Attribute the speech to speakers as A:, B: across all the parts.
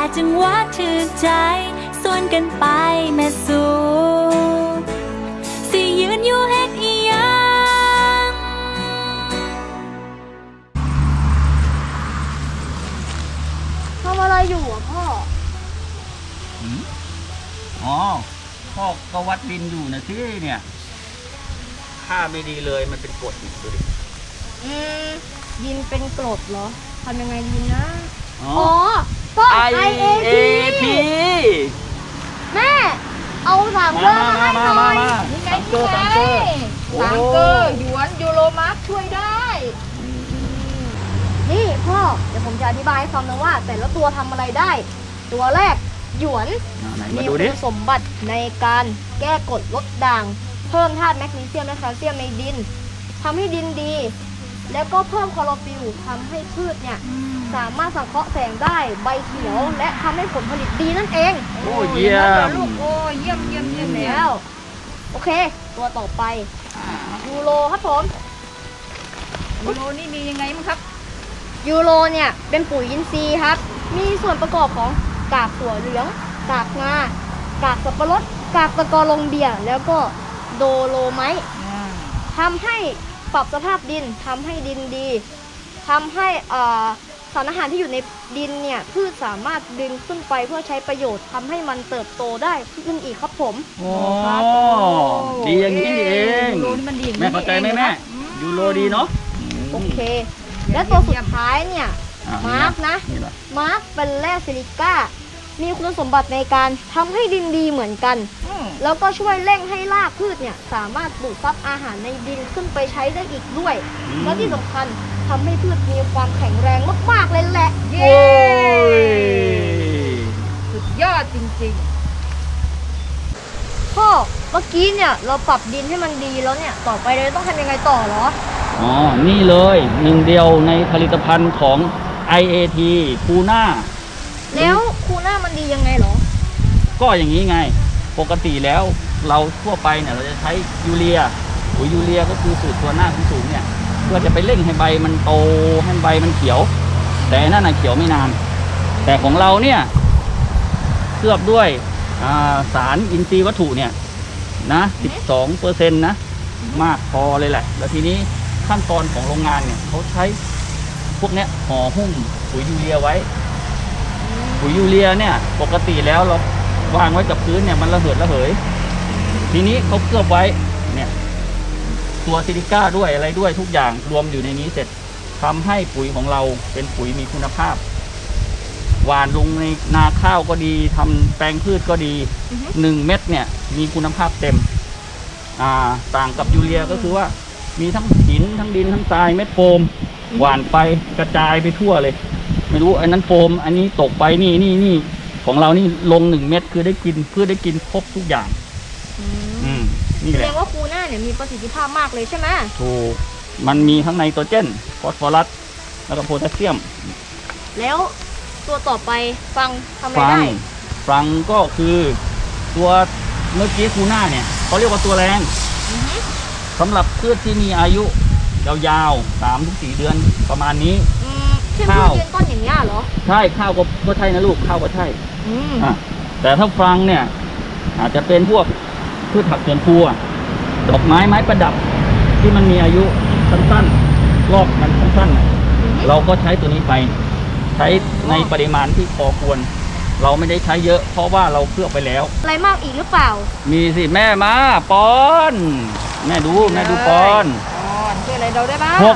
A: จังหวะถือใจส่วนกันไปแม่สู่สิยืนอยู่เฮ็ดอีหยัง
B: ทำอะไรอยู่อ่ะพ่อ
C: อ๋อพ่อก็วัดดินอยู่นะสิเนี่ยค่าไม่ดีเลยมันเป็นกรดดูดิ
B: ดินเป็นกรดเหรอทำยังไงดีนะ
C: อ๋อ
B: พ่อ
C: IAT
B: แม่เอาถังเกอร์มาให้หน่อย
D: นี่ไงนี่ไงถังเกอร์หยวนยูโรมาร์คช่วยได้
B: นี่พ่อเดี๋ยวผมจะอธิบายให้ฟังนะว่าแต่ละตัวทำอะไรได้ตัวแรกหยวนมีคุณสมบัติในการแก้กรดลดด่างเพิ่มธาตุแมกนีเซียมและแคลเซียมในดินทำให้ดินดีแล้วก็เพิ่มคลอโรฟิลล์ทำให้พืชเนี่ยสามารถสังเคราะห์แสงได้ใบเขียวและทำให้ผลผลิตดีนั่นเอง
C: โอ้เยี่ยม
D: ลูกโอ้เยี่ยม
B: แล้วโอเคตัวต่อไปยูโรครับผม
D: ยูโรนี่มียังไงมั้งครับ
B: ยูโรเนี่ยเป็นปุ๋ยอินทรีย์ครับมีส่วนประกอบของกากถั่วเหลืองกากงากากสับปะรดกากตะกอลงเบียแล้วก็โดโลไมต์ทำให้ปรับสภาพดินทำให้ดินดีทำให้สารอาหารที่อยู่ในดินเนี่ยพืชสามารถดึงขึ้นไปเพื่อใช้ประโยชน์ทำให้มันเติบโตได้ขึ้นอีกครับผม
C: โอ้ดีอย่างนี้เองแม่เข้าใจไหมแม่ยูโรดีเนาะ
B: โอเคและตัวสุดท้ายเนี่ยมาร์กนะมาร์กเป็นแร่ซิลิก้ามีคุณสมบัติในการทำให้ดินดีเหมือนกันแล้วก็ช่วยเร่งให้รากพืชเนี่ยสามารถดูดซับอาหารในดินขึ้นไปใช้ได้อีกด้วยและที่สำคัญทำให้พืชมีความแข็งแรงมากๆเลยแหละ
D: เย้สุดยอดจริง
B: ๆพ่อเมื่อกี้เนี่ยเราปรับดินให้มันดีแล้วเนี่ยต่อไปเราต้องทำยังไงต่อเหรอ
C: อ๋อนี่เลยหนึ่งเดียวในผลิตภัณฑ์ของ IAT คูน่า
B: แล้วคูน่ามันดียังไงเหรอ
C: ก็อย่างนี้ไงปกติแล้วเราทั่วไปเนี่ยเราจะใช้ยูเรียปุ๋ยยูเรียก็คือสูตรตัวหน้าสูงเนี่ยเพื่อจะไปเร่งให้ใบมันโตให้ใบมันเขียวแต่นั่นน่ะเขียวไม่นานแต่ของเราเนี่ยเคลือบด้วยสารอินทรีย์วัตถุเนี่ยนะ 12% นะมากพอเลยแหละแล้วทีนี้ขั้นตอนของโรงงานเนี่ยเขาใช้พวกเนี้ยห่อหุ้มปุ๋ยยูเรียไว้ปุ๋ยยูเรียเนี่ยปกติแล้วเราวางไว้กับพื้นเนี่ยมันระเหิดระเหยทีนี้เขาเคลือบไว้เนี่ยตัวซิลิก้าด้วยอะไรด้วยทุกอย่างรวมอยู่ในนี้เสร็จทำให้ปุ๋ยของเราเป็นปุ๋ยมีคุณภาพหว่านลงในนาข้าวก็ดีทำแปลงพืชก็ดี1 เม็ดเนี่ยมีคุณภาพเต็มต่างกับยูเรียก็คือว่ามีทั้งหินทั้งดินทั้งทรายเม็ดโฟมหว่านไปกระจายไปทั่วเลยไม่รู้อันนั้นโฟมอันนี้ตกไปนี่ของเรานี่ลง1 เม็ดคือได้กินเพื่อได้กินครบทุกอย่างนี่แหละ
B: แสดงว่าคูน่าเนี่ยมีประสิทธิภาพมากเลยใช่ไหม
C: ถูกมันมีทั้งไนโตรเจนฟอสฟอรัสแล้วก็โพแทสเซียม
B: แล้วตัวต่อไปฟังทำอะไรได้
C: ฟังก็คือตัวเมื่อกี้คูน่าเนี่ยเขาเรียกว่าตัวแรงสำหรับพืชที่มีอายุยาวๆ3-4 เดือนประมาณนี้
B: ข้าวต้นอย่างนี้เหรอ
C: ใช่ข้าวก็ใช่นะลูกข้าวก็ใช่แต่ถ้าฟังเนี่ยอาจจะเป็นพวกพืชผักสวนครัวดอกไม้ประดับที่มันมีอายุสั้นๆรอบมันสั้นๆเราก็ใช้ตัวนี้ไปใช้ในปริมาณที่พอควรเราไม่ได้ใช้เยอะเพราะว่าเราเคลือบไปแล้ว
B: อะไรมากอีกหรือเปล่า
C: มีสิแม่มาปอนแม่ดูปอน
D: ช่วยอะไรเราได้บ้าง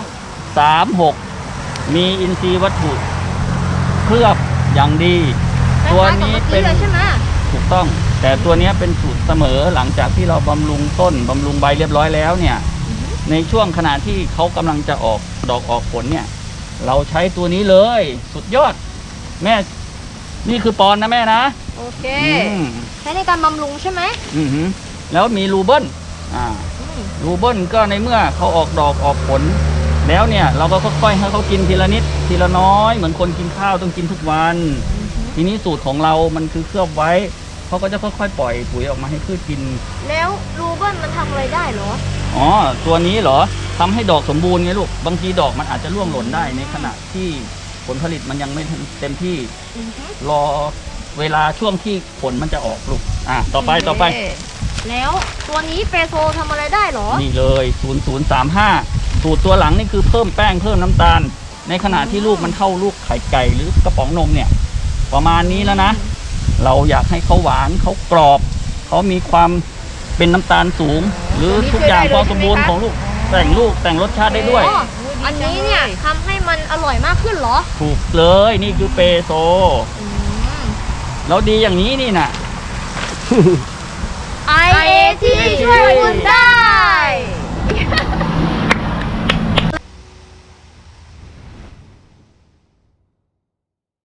C: 636มีอินทรีย์วัตถุเคลือบอย่างดีตัวนี้เป็นถูกต้องแต่ตัวนี้เป็นสูตรเสมอหลังจากที่เราบำรุงต้นบำรุงใบเรียบร้อยแล้วเนี่ยในช่วงขณะที่เขากำลังจะออกดอกออกผลเนี่ยเราใช้ตัวนี้เลยสุดยอดแม่นี่คือปอนนะแม่นะ
B: โอเคใช้ในการบำรุงใช่ไหม
C: แล้วมีรูเบิ้ลรูเบิ้ลก็ในเมื่อเขาออกดอกออกผลแล้วเนี่ยเราก็ค่อยๆให้เขากินทีละนิดทีละน้อยเหมือนคนกินข้าวต้องกินทุกวันทีนี้สูตรของเรามันคือเคลือบไว้เขาก็จะค่อยๆปล่อยปุ๋ยออกมาให้พืชกิน
B: แล้วรูเบิ้ลมันทำอะไรได้เหรอ
C: อ๋อตัวนี้เหรอทำให้ดอกสมบูรณ์ไงลูกบางทีดอกมันอาจจะร่วงหล่นได้ในขณะที่ผลผลิตมันยังไม่เต็มที่รอเวลาช่วงที่ผลมันจะออกลูกต่อไป
B: แล้วตัวนี้เปโซทำอะไรได้เหรอ
C: นี่เลย 0035 สูตรตัวหลังนี่คือเพิ่มแป้งเพิ่มน้ำตาล ในขณะที่ลูกมันเท่าลูกไข่ไก่หรือกระป๋องนมเนี่ย ประมาณนี้แล้วนะ เราอยากให้เขาหวานเขากรอบเขามีความเป็นน้ำตาลสูง หรือทุกอย่างความสมบูรณ์ของลูกแต่งรสชาติได้ด้วย
B: อ๋อ อันนี้เนี่ยทำให้มันอร่อยมากขึ้นเหรอ
C: ถูกเลยนี่คือเปโซแล้วดีอย่างนี้นี่นะ
B: IAT ช่วยคุณได้